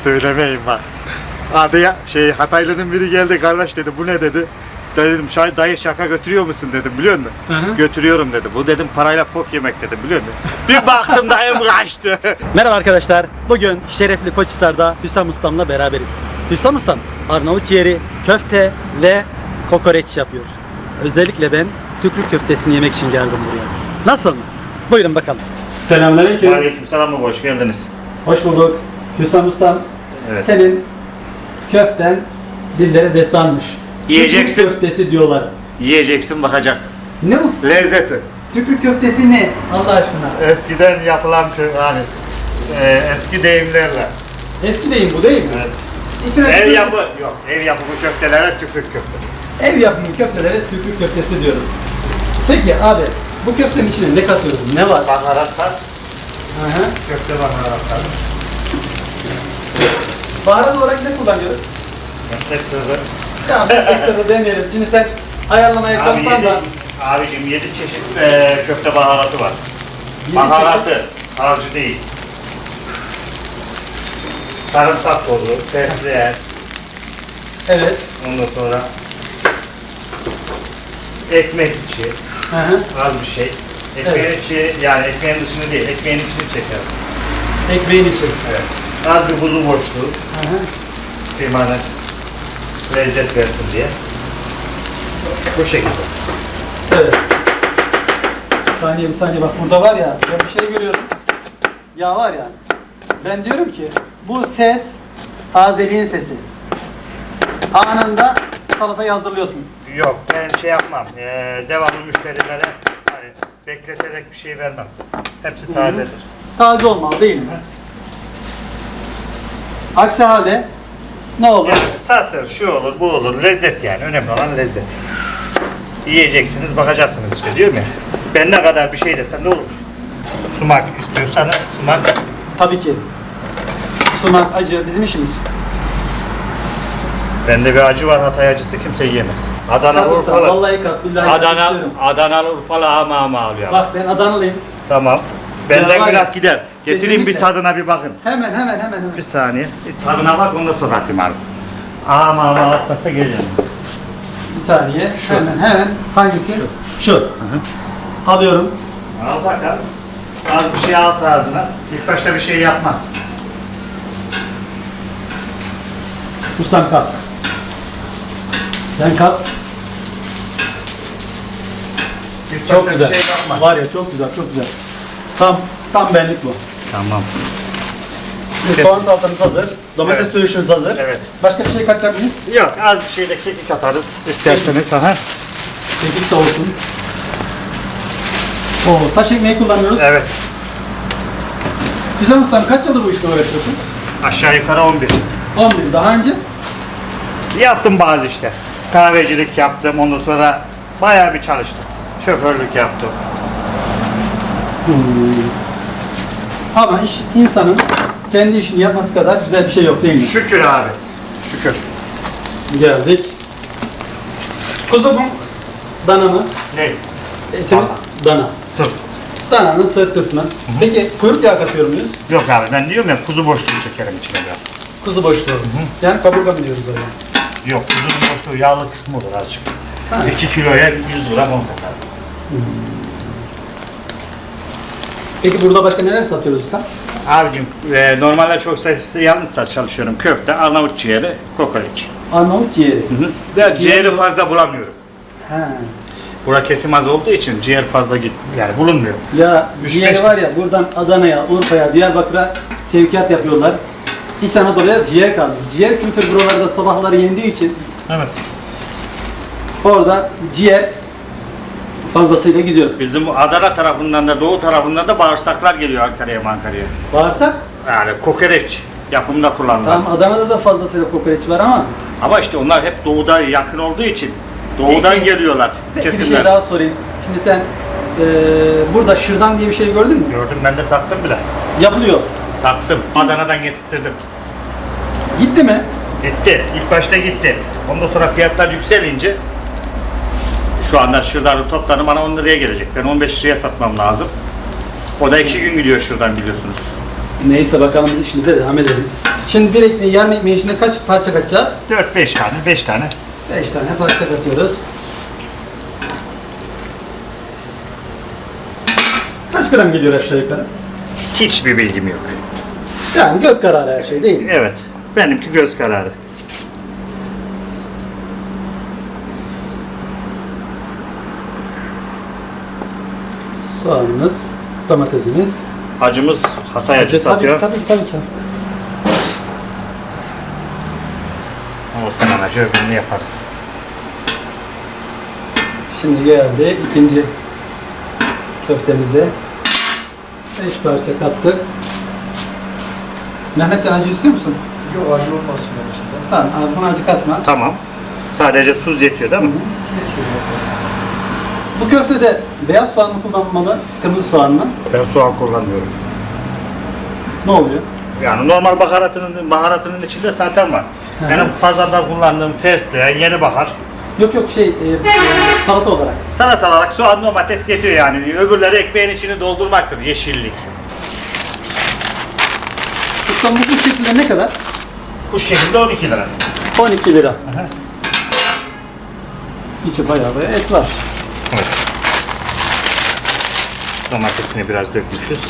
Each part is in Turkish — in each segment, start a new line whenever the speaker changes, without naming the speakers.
Söylemeyin bak. Adı ya Hataylı'nın biri geldi, kardeş dedi, bu ne dedi. Dedim dayı şaka götürüyor musun dedim, biliyor musun?
Hı.
Götürüyorum dedi. Bu dedim parayla pok yemek dedim, biliyor musun? Bir baktım dayım kaçtı.
Merhaba arkadaşlar. Bugün şerefli Koçhisar'da Hüsam Ustam'la beraberiz. Hüsam Ustam Arnavut ciğeri, köfte ve kokoreç yapıyor. Özellikle ben tükrük köftesini yemek için geldim buraya. Nasıl mı? Buyurun bakalım. Selamünaleyküm.
Aleykümselam baba, hoş geldiniz.
Hoş bulduk. Hüsam Ustam,
Evet.
senin köften dillere destanmış.
Yiyeceksin.
Tükrük köftesi diyorlar.
Yiyeceksin, bakacaksın.
Ne bu?
Lezzeti.
Tükrük köftesi ne? Allah aşkına.
Eskiden yapılan hani eski deyimlerle.
Eski deyim bu değil mi?
Evet.
İçine
Ev
tükürük-
yapı yok. Ev yapımı köftelere tükrük köfte.
Ev yapımı köftelere tükrük köftesi diyoruz. Peki abi, bu köftenin içine ne katıyoruz? Ne var?
Baharatlar,
Hı hı.
köfte baharatlar.
Baharat olarak ne kullanıyoruz?
Köfte sırrı.
Ya biz ekstra demeyelim. Şimdi sen ayarlamaya
Abi
çalışsan da
abicim 7 çeşit köfte baharatı var.
yedi
Baharatı, harcı değil. Sarımsak tozu, fesleğen,
evet.
ondan sonra ekmek içi,
Hı hı.
az bir şey. Ekmeğin içi, yani ekmeğin dışını değil, ekmeğin içini çeker.
Ekmeğin içi.
Evet. Az bir kuzu boşluğu,
Hı hı.
kıymanın lezzet versin diye. Bu şekilde.
Evet. Bir saniye bak, burada var ya, ben bir şey görüyorum. Ya var ya, ben diyorum ki bu ses tazeliğin sesi. Anında salatayı hazırlıyorsun.
Yok, ben şey yapmam. Devamlı müşterilere hani bekleterek bir şey vermem. Hepsi tazedir.
Taze olmalı değil mi? Aksi halde ne olur?
Yani sasır, şu olur, bu olur. Lezzet yani. Önemli olan lezzet. Yiyeceksiniz, bakacaksınız işte, diyorum ya. Ben ne kadar bir şey desem ne olur? Sumak istiyorsanız sumak.
Tabii ki. Sumak, acı bizim işimiz.
Bende bir acı var, Hatay acısı kimse yiyemez. Adana,
Kat usta,
Urfalı.
vallahi kat, billahi kat
Adana,
istiyorum.
Adana, Urfalı ama alıyor.
Bak ben Adanalıyım.
Tamam.
Ya
Benden
var ya,
günah gider. Getireyim bir
kesinlikle.
tadına bir bakın.
Hemen.
Bir saniye. Bir tadına bak, ondan sonra atayım abi. Ama atmasa geleceğim.
Bir saniye.
Şu.
Hemen. Hangisi? Şu. Alıyorum.
Al bakalım. Az bir şey al ağzına. İlk başta bir şey yapmaz.
Ustam kap. Sen kap.
İlk
Çok
başta
güzel.
bir şey yapmaz.
Var ya, çok güzel. Tam benlik bu.
Tamam.
Şimdi soğan salatamız hazır. Domates
Evet.
söğüşümüz hazır.
Evet.
Başka bir şey katacak mıyız?
Yok, az bir şey de kekik atarız isterseniz. Aha.
Kekik de olsun. Oo, taş ekmeği kullanıyoruz.
Evet.
Güzel ustam, kaç yıldır bu işle uğraşıyorsun?
Aşağı yukarı 11.
11. Daha önce?
Yaptım bazı işte. Kahvecilik yaptım. Ondan sonra bayağı bir çalıştım. Şoförlük yaptım.
Ama insanın kendi işini yapması kadar güzel bir şey yok değil mi?
Şükür abi. Şükür.
Geldik. Kuzu mu? Dana mı?
Ne?
Etimiz dana.
Sırt.
Dananın sırt kısmı. Peki kuyruk yağı katıyor muyuz?
Yok abi, ben diyorum ya, kuzu boşluğu çekerim içine biraz.
Kuzu boşluğu. Yani kaburga mı diyoruz böyle?
Yok, kuzunun boşluğu yağlı kısmı olur azıcık.
Ha.
2 kiloya 100 gram 10 takar.
Peki burada başka neler satıyoruz usta?
Abicim normalde çok sayısı yalnız çalışıyorum. Köfte, Arnavut ciğeri, kokoreç.
Arnavut ciğeri.
Ciğeri fazla bulamıyorum.
Ha.
Bura kesim az olduğu için ciğer fazla yani bulunmuyor.
Ya
Üç
ciğeri
beş-
var ya, buradan Adana'ya, Urfa'ya, Diyarbakır'a sevkiyat yapıyorlar. İç Anadolu'ya ciğer kaldı. Ciğer kültürü buralarda sabahları yendiği için
Evet.
orada ciğer fazlasıyla gidiyor.
Bizim Adana tarafından da Doğu tarafından da bağırsaklar geliyor Ankara'ya.
Bağırsak,
Yani kokoreç yapımında kullanılan.
tamam, Adana'da da fazlasıyla kokoreç var ama
Ama işte onlar hep doğuda yakın olduğu için doğudan
Peki-
geliyorlar
peki bir
kesimler.
şey daha sorayım. Şimdi sen burada şırdan diye bir şey gördün mü?
Gördüm, ben de sattım bile.
Yapılıyor.
Sattım. Adana'dan getirttirdim.
Gitti mi?
Gitti. İlk başta gitti. Ondan sonra fiyatlar yükselince şu anda şırdanı toptanı bana 10 liraya gelecek. Ben 15 liraya satmam lazım. O da 2 gün gidiyor şuradan, biliyorsunuz.
Neyse bakalım biz işimize devam edelim. Şimdi bir ekmeği, yarım ekmeğin içine kaç parça katacağız?
4-5 tane, 5 tane.
5 tane parça katıyoruz. Kaç gram geliyor aşağı yukarı?
Hiçbir bilgim yok.
Yani göz kararı her şey değil mi?
Evet. Benimki göz kararı.
Soğanımız, domatesimiz.
Acımız Hatay acı satıyor.
Tabii ki.
Olsun acı öbürünü yaparız.
Şimdi geldi ikinci köftemize. 5 parça kattık. Mehmet sen acı istiyor musun?
Yok acı olmasın yani.
Tamam, abi buna acı katma.
Tamam. Sadece tuz yetiyor değil mi?
Geçiyor zaten.
Bu köftede beyaz soğan mı kullanmalı, kırmızı soğan mı?
Ben soğan kullanmıyorum.
Ne oluyor?
Yani normal baharatının içinde zaten var.
Hı hı.
Benim pazarda kullandığım fesleğen, yeni bahar.
Yok salata olarak.
Sanat olarak soğan, domates yetiyor yani. Öbürleri ekmeğin içini doldurmaktır, yeşillik.
İstanbul bu şekilde ne kadar?
Bu şekilde 12 lira.
12 lira. İçi bayağı et var.
Evet. Domatesini biraz dökmüşüz.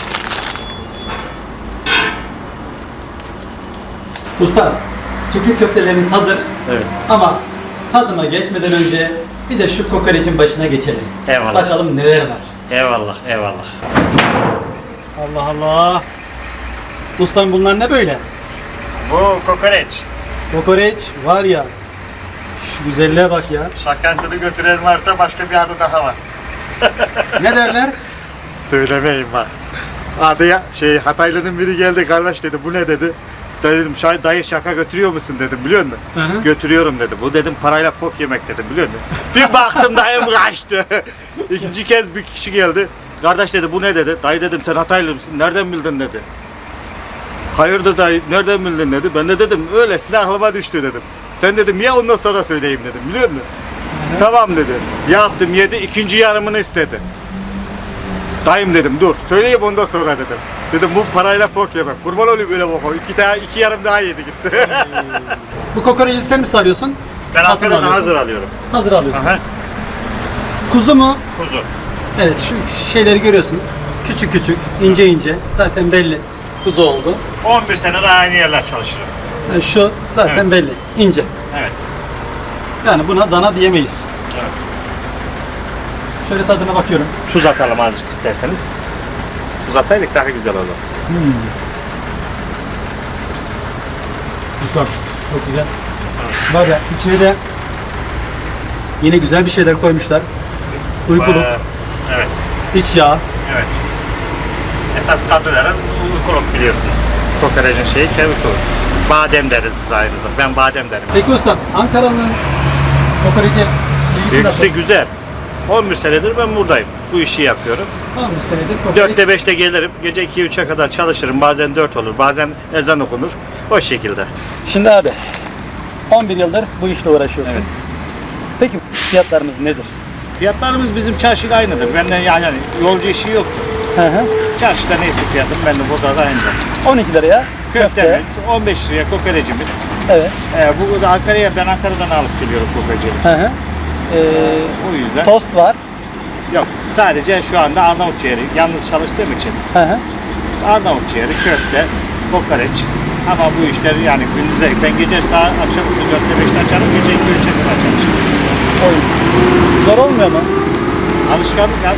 Usta, tükürük köftelerimiz hazır.
Evet.
Ama tadıma geçmeden önce bir de şu kokoreçin başına geçelim.
Eyvallah.
Bakalım neler var.
Eyvallah, eyvallah.
Allah Allah. Ustam bunlar ne böyle?
Bu kokoreç.
Kokoreç var ya. Şu güzelliğe bak ya.
Şakasını götüren varsa başka bir adı daha var.
Ne derler?
Söylemeyin bak. Adıya Hataylı'nın biri geldi, kardeş dedi, bu ne dedi. Dedim dayı şaka götürüyor musun dedim, biliyor musun?
Hı hı.
Götürüyorum dedi. Bu dedim parayla pok yemek dedim, biliyor musun? Bir baktım dayım kaçtı. İkinci kez bir kişi geldi. Kardeş dedi, bu ne dedi. Dayı dedim, sen Hataylı mısın? Nereden bildin dedi. Hayırdır dayı, nereden bildin dedi. Ben de dedim, öylesine aklıma düştü dedim. Sen dedim, ya ondan sonra söyleyeyim dedim, biliyor musun? Tamam dedi. Yaptım, yedi, ikinci yarımını istedi. Dayım dedim, dur söyleyeyim ondan sonra dedim. Dedim bu parayla pok yemek. Kurban olayım öyle bok. İki yarım daha yedi gitti.
Bu kokoreci sen mi sarıyorsun?
Ben
Satın
Ankara'dan
alıyorsun.
hazır alıyorum.
Hazır alıyorsun.
Aha,
Kuzu mu?
kuzu.
Evet, şu şeyleri görüyorsun. Küçük küçük, ince ince. Zaten belli. Kuzu oldu.
11 senedir aynı yerler çalışırım.
Yani şu zaten
Evet.
belli. İnce.
Evet.
Yani buna dana diyemeyiz.
Evet.
Şöyle tadına bakıyorum.
Tuz atalım azıcık isterseniz. Tuz ataydık daha güzel olurdu.
Ustam, çok güzel. Var ya, içine de yine güzel bir şeyler koymuşlar. Uykuluk,
Evet.
iç yağ.
Evet. Esas tadı veren uykuluk biliyorsunuz. Kokoreçin şeyi kevis olur. Badem deriz biz ayrıca. Ben badem derim.
Peki ustam, Ankara'nın kokoreci ilgisi nasıl?
İlgisi güzel. 11 senedir ben buradayım. Bu işi yapıyorum.
11 senedir kokoreç.
4'te 5'te gelirim. Gece 2-3'e kadar çalışırım. Bazen 4 olur. Bazen ezan okunur. O şekilde.
Şimdi abi, 11 yıldır bu işle uğraşıyorsun.
Evet.
Peki fiyatlarımız nedir?
Fiyatlarımız bizim çarşıyla aynıdır. Benden yani yolcu işi yok.
Hı hı.
Çarşıda neyse fiyatım ben de burada da aynıdır.
12 liraya
Köftemiz, 15 liraya kokorecimiz.
Evet.
Bu da ben Ankara'dan alıp geliyorum kokoreciyi.
Hı hı.
O yüzden.
Tost var.
Yok, sadece şu anda Arnavut ciğeri. Yalnız çalıştığım için
Hı hı.
Arnavut ciğeri, köfte, kokoreç. Ama bu işler yani gündüze, ben gece saat akşamüstü 4'te 5'te açarım, gece 2-3'e kadar çalışırım.
Oy. Zor olmuyor mu?
Alışkanlık yani.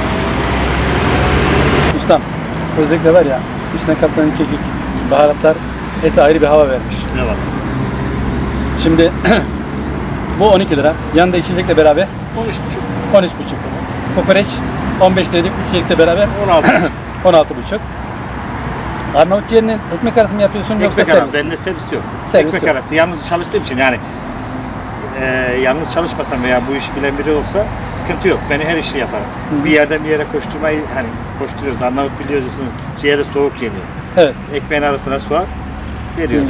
Ustam, özellikle var ya, içine katılan kekik, baharatlar ete ayrı bir hava vermiş.
Ne var?
Şimdi bu 12 lira. Yanında içecekle beraber
13,5.
13,5. Kokoreç 15 dedik, içecekle beraber
16,5.
16,5. Arnavut ciğerinin ekmek arası mı yapıyorsun yoksa
Ekmek arası,
servis?
bende servis yok.
Servis
Ekmek
yok.
arası, yalnız çalıştığım için yani yalnız çalışmasam veya bu işi bilen biri olsa sıkıntı yok. Ben her işi yaparım. Bir yerden bir yere koşturmayı hani koşturuyoruz. Arnavut biliyorsunuz ciğeri soğuk yeniyor.
Evet.
Ekmeğin arasına soğan veriyorum.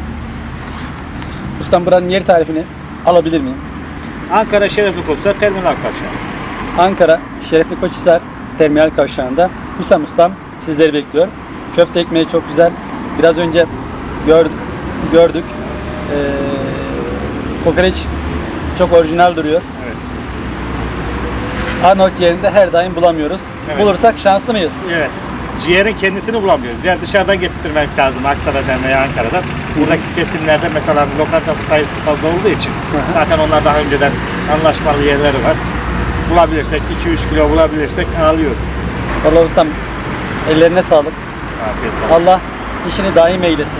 Ustam buranın yer tarifini alabilir miyim?
Ankara Şerefli Koçlar Terminal Kavşağı.
Ankara Şerefli Koçhisar Terminal Kavşağı'nda Hüsam Ustam sizleri bekliyor. Köfte ekmeği çok güzel. Biraz önce gördük. Kokoreç çok orijinal duruyor.
Evet.
Arnavut ciğerinde her daim bulamıyoruz.
Evet.
Bulursak şanslı mıyız?
Evet. Ciğerin kendisini bulamıyoruz. Yani dışarıdan getirtmek lazım Aksaray'dan veya Ankara'dan. Buradaki kesimlerde mesela lokanta sayısı fazla olduğu için zaten onlar daha önceden anlaşmalı yerleri var. Bulabilirsek 2-3 kilo bulabilirsek alıyoruz.
Vallahi ustam ellerine sağlık.
Afiyet olsun.
Allah işini daim eylesin.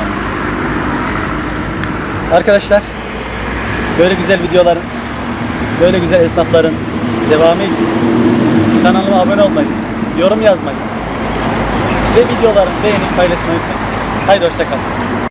Arkadaşlar böyle güzel videoların, böyle güzel esnafların devamı için kanalıma abone olmayı, yorum yazmayı ve videoları beğenip paylaşmayı unutmayın. Haydi hoşça kalın.